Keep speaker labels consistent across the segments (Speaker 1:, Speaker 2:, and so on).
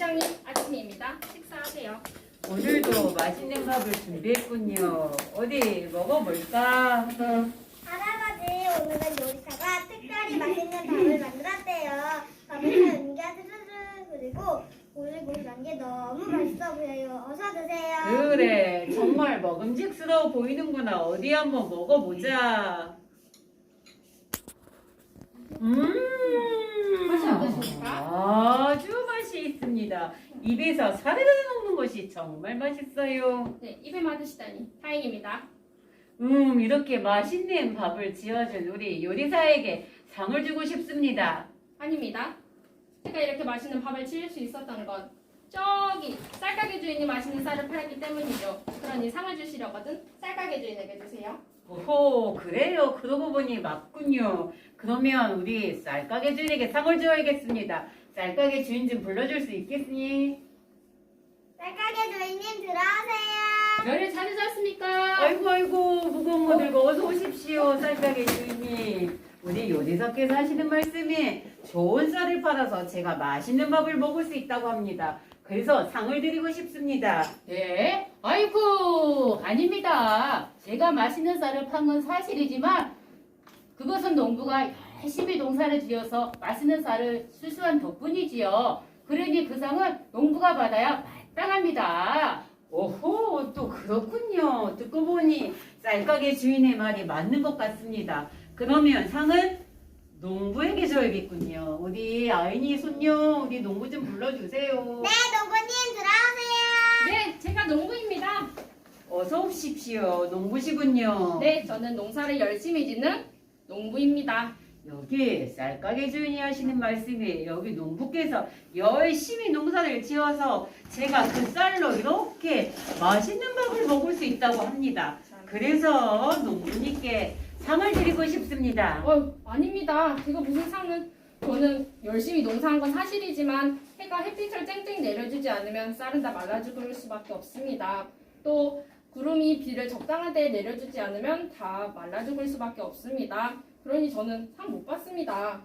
Speaker 1: 부장님, 아침입니다. 식사하세요.
Speaker 2: 오늘도 맛있는 밥을 준비했군요. 어디 먹어볼까?
Speaker 3: 할아버지, 오늘은 요리사가 특별히 맛있는 밥을 만들었대요. 밥을 잘 옮겨 스르르 그리고 보글보글 난 게 너무 맛있어 보여요. 어서 드세요.
Speaker 2: 그래, 정말 먹음직스러워 보이는구나. 어디 한번 먹어보자.
Speaker 1: 맛이 어떠십니까?
Speaker 2: 아주 맛이 있습니다. 입에서 사르르 녹는 것이 정말 맛있어요.
Speaker 1: 네, 입에 맞으시다니 다행입니다.
Speaker 2: 이렇게 맛있는 밥을 지어준 우리 요리사에게 상을 주고 싶습니다.
Speaker 1: 아닙니다. 제가 이렇게 맛있는 밥을 지을 수 있었던 건 저기 쌀가게 주인이 맛있는 쌀을 팔았기 때문이죠. 그러니 상을 주시려거든 쌀가게 주인에게 주세요.
Speaker 2: 오호, 그래요. 그러고 보니 맞군요. 그러면 우리 쌀가게 주인에게 상을 줘야겠습니다. 쌀가게 주인 좀 불러줄 수 있겠니?
Speaker 3: 쌀가게 주인님 들어오세요.
Speaker 1: 별을 찾으셨습니까?
Speaker 2: 아이고 무거운 거 들고 어서 오십시오. 쌀가게 주인님. 우리 요리사께서 하시는 말씀이 좋은 쌀을 팔아서 제가 맛있는 밥을 먹을 수 있다고 합니다. 그래서 상을 드리고 싶습니다.
Speaker 4: 네? 아이고, 아닙니다. 제가 맛있는 쌀을 판 건 사실이지만 그것은 농부가 열심히 농사를 지어서 맛있는 쌀을 수수한 덕분이지요. 그러니 그 상은 농부가 받아야 마땅합니다.
Speaker 2: 오호, 또 그렇군요. 듣고 보니 쌀가게 주인의 말이 맞는 것 같습니다. 그러면 상은 농부에게 줘야겠군요. 우리 아이니 손녀, 우리 농부 좀 불러주세요.
Speaker 3: 네, 농부님 들어오세요.
Speaker 1: 네, 제가 농부입니다.
Speaker 2: 어서 오십시오. 농부시군요.
Speaker 1: 네, 저는 농사를 열심히 짓는 농부입니다.
Speaker 2: 여기 쌀가게 주인이 하시는 말씀이 여기 농부께서 열심히 농사를 지어서 제가 그 쌀로 이렇게 맛있는 밥을 먹을 수 있다고 합니다. 그래서 농부님께 상을 드리고 싶습니다.
Speaker 1: 아닙니다. 제가 무슨 상은 저는 열심히 농사한 건 사실이지만 해가 햇빛을 쨍쨍 내려주지 않으면 쌀은 다 말라 죽을 수밖에 없습니다. 또 구름이 비를 적당한 때에 내려주지 않으면 다 말라 죽을 수밖에 없습니다. 그러니 저는 상 못 받습니다.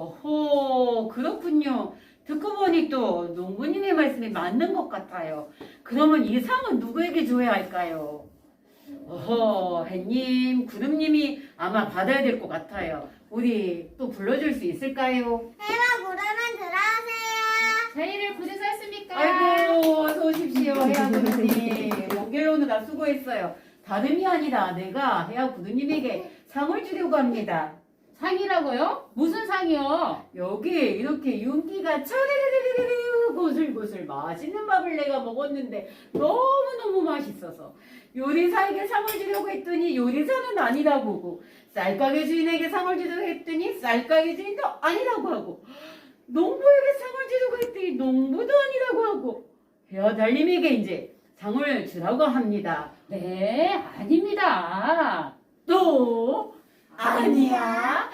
Speaker 2: 어허, 그렇군요. 듣고 보니 또 농부님의 말씀이 맞는 것 같아요. 그러면 이 상은 누구에게 줘야 할까요? 어허, 해님, 구름님이 아마 받아야 될 것 같아요. 우리 또 불러줄 수 있을까요?
Speaker 3: 해와 구름은 들어오세요.
Speaker 1: 제의를 부르셨습니까?
Speaker 2: 아이고, 어서 오십시오, 해야 구두님. 목요일 오느라 수고했어요. 다름이 아니라 내가 해야 구두님에게 상을 주려고 합니다.
Speaker 4: 상이라고요? 무슨 상이요?
Speaker 2: 여기 이렇게 윤기가 차르르르르르 고슬고슬 맛있는 밥을 내가 먹었는데 너무너무 맛있어서 요리사에게 상을 주려고 했더니 요리사는 아니라고 하고 쌀가게 주인에게 상을 주려고 했더니 쌀가게 주인도 아니라고 하고 농부에게 상을 주려고 했더니 농부도 아니라고 하고 헤어달님에게 이제 상을 주라고 합니다.
Speaker 4: 네, 아닙니다.
Speaker 2: 또 아니야?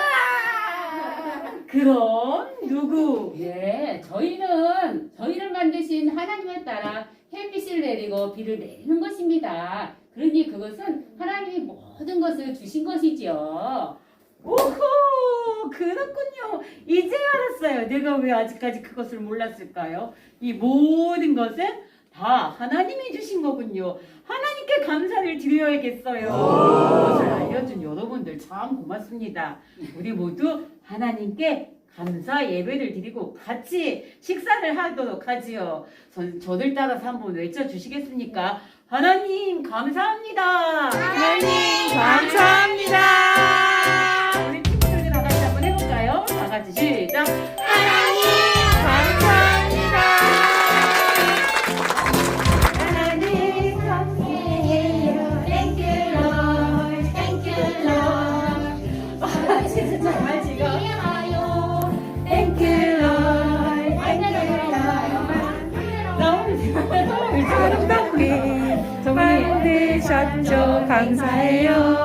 Speaker 2: 그럼 누구?
Speaker 4: 네, 저희를 만드신 하나님에 따라 햇빛을 내리고 비를 내리는 것입니다. 그러니 그것은 하나님이 모든 것을 주신 것이지요.
Speaker 2: 오호, 그렇군요. 이제 알았어요. 내가 왜 아직까지 그것을 몰랐을까요? 이 모든 것은 다 하나님이 주신 거군요. 하나님께 감사를 드려야겠어요. 그것을 알려준 여러분들 참 고맙습니다. 우리 모두 하나님께 감사 예배를 드리고 같이 식사를 하도록 하지요. 저들 따라서 한번 외쳐주시겠습니까? 하나님 감사합니다.
Speaker 3: 하나님
Speaker 2: 감사합니다. 우리 친구들 다 같이 한번 해볼까요? 다 같이 시작.
Speaker 3: 하나님 감사합니다.
Speaker 2: 하나님 감사해요. Thank you Lord. Thank you Lord. 와, 진짜 정말 지금. Thank you Lord. Thank you Lord. 너무 아름답게 만드셨죠. 감사해요.